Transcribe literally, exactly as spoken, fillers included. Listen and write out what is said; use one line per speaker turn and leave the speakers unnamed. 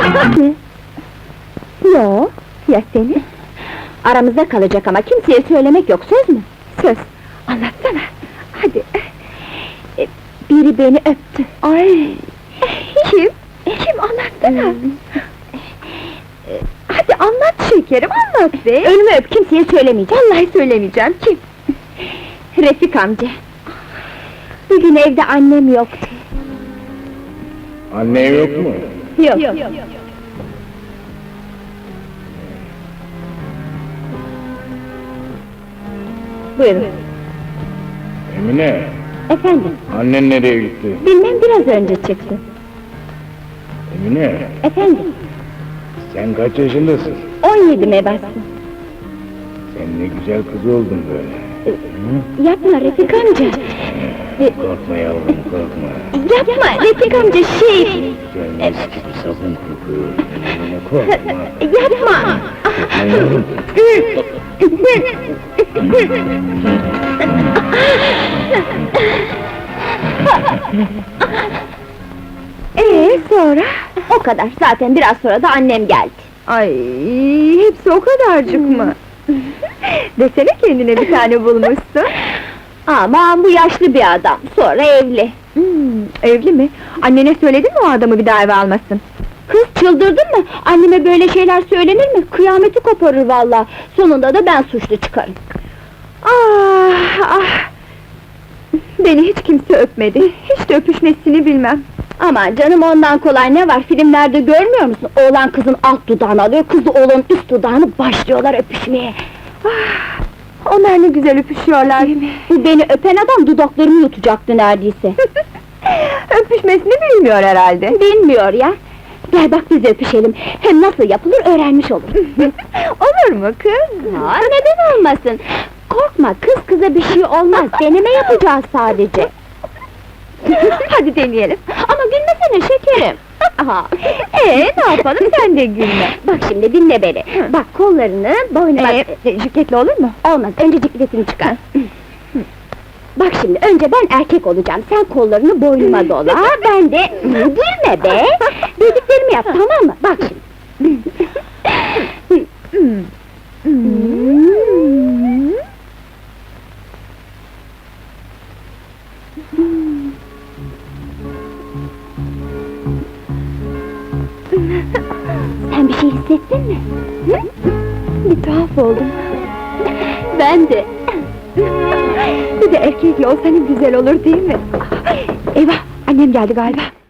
Yo, ya seni? Aramızda kalacak ama kimseye söylemek yok, söz mü? Söz, anlatsana, hadi! E, Biri beni öptü. Ay! Kim? Kim, anlatsana! E, Hadi anlat şekerim, anlat be! Önümü öp, kimseye söylemeyeceğim! Vallahi söylemeyeceğim, kim? Refik amca! Bugün evde annem yoktu.
Annen yok mu?
Yok. yok. Buyurun.
Emine,
Efendim,
annen nereye gitti?
bilmem biraz önce çıktı.
Emine,
Efendim,
sen kaç yaşındasın?
on yedime bastım.
Sen ne güzel kız oldun böyle.
Yapma Refik amca!
Korkma yavrum, korkma.
Yapma Refik amca, şey...
Güzel mis gibi sabun kokuyor. Emine, korkma.
Yapma!
Korkma yavrum.
Ee sonra? O kadar, zaten biraz sonra da annem geldi. Ay, hepsi o kadarcık mı? Desene kendine bir tane bulmuşsun. Aman bu yaşlı bir adam, sonra evli. Hmm, evli mi? Annene söyledin mi o adamı bir daha eve almasın? Kız çıldırdın mı? Anneme böyle şeyler söylenir mi? Kıyameti koparır vallahi. Sonunda da ben suçlu çıkarım. Ah ah! Beni hiç kimse öpmedi, hiç de öpüşmesini bilmem. Aman canım, ondan kolay ne var, filmlerde görmüyor musun? Oğlan kızın alt dudağını alıyor, kız da oğlanın üst dudağını, başlıyorlar öpüşmeye. Ah, onlar ne güzel öpüşüyorlar. Bu beni öpen adam dudaklarımı yutacaktı neredeyse. Öpüşmesini bilmiyor herhalde. Bilmiyor ya. Gel bak biz öpüşelim, hem nasıl yapılır öğrenmiş olur. Olur mu kız? Ha, neden olmasın? Korkma, kız kıza bir şey olmaz, deneme yapacağız sadece. Hadi deneyelim. Ama gülmesene şekerim. Aha. Ee, ne yapalım, sen de gülme. Bak şimdi dinle beni. Bak kollarını boynuna... Ee, cikletli olur mu? Olmaz, önce cikletini çıkar. Bak şimdi, önce ben erkek olacağım, sen kollarını boynuma dola, ben de... Gülme be! Dediklerimi yap, tamam mı? Bak şimdi. Sen bir şey hissettin mi? Hı? Bir tuhaf oldum. Ben de. Bir de erkekle olsa ne güzel olur değil mi? Eyvah, annem geldi galiba.